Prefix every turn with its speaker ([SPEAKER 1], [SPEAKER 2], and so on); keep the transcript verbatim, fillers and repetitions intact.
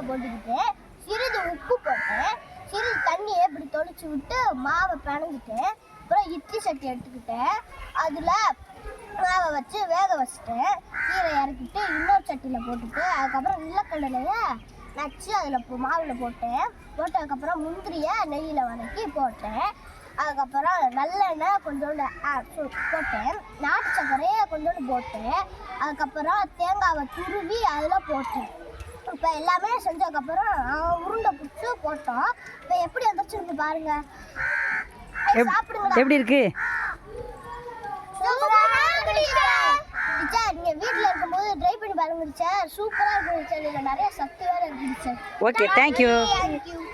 [SPEAKER 1] போட்டுக்கிட்டு சிறிது உப்பு போட்டேன், சிறிது தண்ணியை இப்படி தொளிச்சு விட்டு மாவை பிணைஞ்சிட்டேன். அப்புறம் இட்லி சட்டி எடுத்துக்கிட்டேன், அதில் மாவை வச்சு வேக வச்சுட்டேன். கீரை இறக்கிட்டு இன்னொரு சட்டியில் போட்டுட்டு அதுக்கப்புறம் நிலக்கடலையை நச்சு அதில் மாவில் போட்டேன். போட்டதுக்கப்புறம் முந்திரியை நெய்யில் வதக்கி போட்டேன். அதுக்கப்புறம் நல்லெண்ணெய் கொஞ்சோண்டு போட்டேன், நாட்டு சர்க்கரையை கொஞ்சோண்டு போட்டேன். அதுக்கப்புறம் தேங்காவை துருவி அதில் போட்டேன். இப்போ எல்லாமே செஞ்சதுக்கப்புறம் உருண்டை பிடிச்சி போட்டோம். இப்போ எப்படி வந்துருச்சுன்னு பாருங்க.
[SPEAKER 2] சாப்பிடுங்க. எப்படி இருக்கு?
[SPEAKER 1] நீங்க வீட்டில் இருக்கும்போது ட்ரை பண்ணி பாருங்க. சூப்பராக இருக்கு. நிறைய சத்து வேற இருக்கு.
[SPEAKER 2] Okay, thank you.